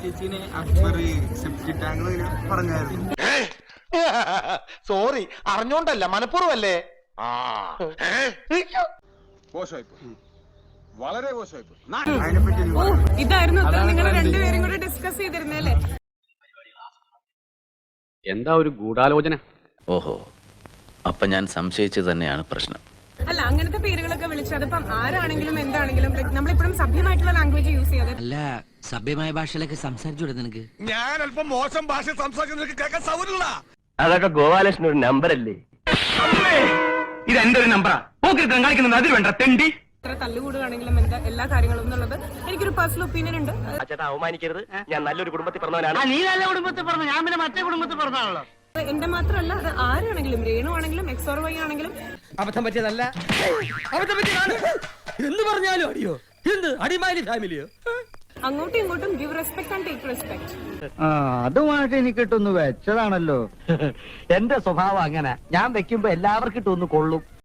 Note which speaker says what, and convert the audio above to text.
Speaker 1: ചേച്ചിനെ Akbar septic tank പറഞ്ഞായിരുന്നു.
Speaker 2: Sorry, അറിഞ്ഞോണ്ടല്ല, മനഃപൂർവ്വല്ലേ.
Speaker 3: വളരെ മോശമായിപ്പോ.
Speaker 1: അതിനെപ്പറ്റി
Speaker 4: ഓ, ഇതായിരുന്നു നിങ്ങൾ രണ്ടുപേരും കൂടെ ഡിസ്കസ് ചെയ്തിരുന്നല്ലേ?
Speaker 5: എന്താ ഒരു ഗൂഢാലോചന?
Speaker 6: ഓഹോ, അപ്പൊ ഞാൻ സംശയിച്ചത് തന്നെയാണ് പ്രശ്നം.
Speaker 4: അല്ല, അങ്ങനത്തെ പേരുകളൊക്കെ വിളിച്ച് അതിപ്പം ആരാണെങ്കിലും എന്താണെങ്കിലും നമ്മളിപ്പോഴും സഭ്യമായിട്ടുള്ള ലാംഗ്വേജ് യൂസ് ചെയ്യാതെ.
Speaker 7: അല്ല, സഭ്യമായ ഭാഷയിലൊക്കെ സംസാരിച്ചു നിനക്ക്.
Speaker 2: ഞാൻ അല്പം മോശം ഭാഷ സംസാരിക്കുന്ന കേൾക്കാൻ സൗകര്യമില്ല.
Speaker 8: അതൊക്കെ ഗോപാലകൃഷ്ണൻ ഒരു നമ്പറല്ലേ?
Speaker 5: ഇത് എന്റെ ഒരു നമ്പറാ. പോക്കിരുത്തം കളിക്കുന്നത് അതിൽ വേണ്ട തെണ്ടി.
Speaker 4: എത്ര തല്ലുകൂടുകയാണെങ്കിലും എന്താ എല്ലാ കാര്യങ്ങളും എന്നുള്ളത് എനിക്കൊരു പേഴ്സണൽ ഒപ്പീനിയൻ ഉണ്ട്.
Speaker 8: ചേട്ടാ, അവമാനിക്കരുത്. ഞാൻ നല്ലൊരു കുടുംബത്തിൽ പറഞ്ഞവനാണ്.
Speaker 7: നീ നല്ല കുടുംബത്തിൽ പറഞ്ഞു, ഞാൻ പിന്നെ മറ്റേ കുടുംബത്തിൽ പറഞ്ഞാണല്ലോ.
Speaker 4: എന്റെ മാത്രമല്ല, അത് ആരാണെങ്കിലും, രേണു ആണെങ്കിലും എക്സ് ഓർ വൈ ആണെങ്കിലും.
Speaker 7: അബദ്ധം പറ്റിയതല്ല, അബദ്ധം പറ്റിയതാണ് എന്ന് പറഞ്ഞാലും അടിയോ, എന്ത് അടിമാലി ഫാമിലിയോ?
Speaker 4: അങ്ങോട്ടും ഇങ്ങോട്ടും give respect and take respect.
Speaker 9: അതുമായിട്ട് എനിക്ക് ഇട്ടൊന്ന് വെച്ചതാണല്ലോ.
Speaker 8: എന്റെ സ്വഭാവം അങ്ങനെ. ഞാൻ വെക്കുമ്പോ എല്ലാവർക്കും ഇട്ടൊന്ന് കൊള്ളും.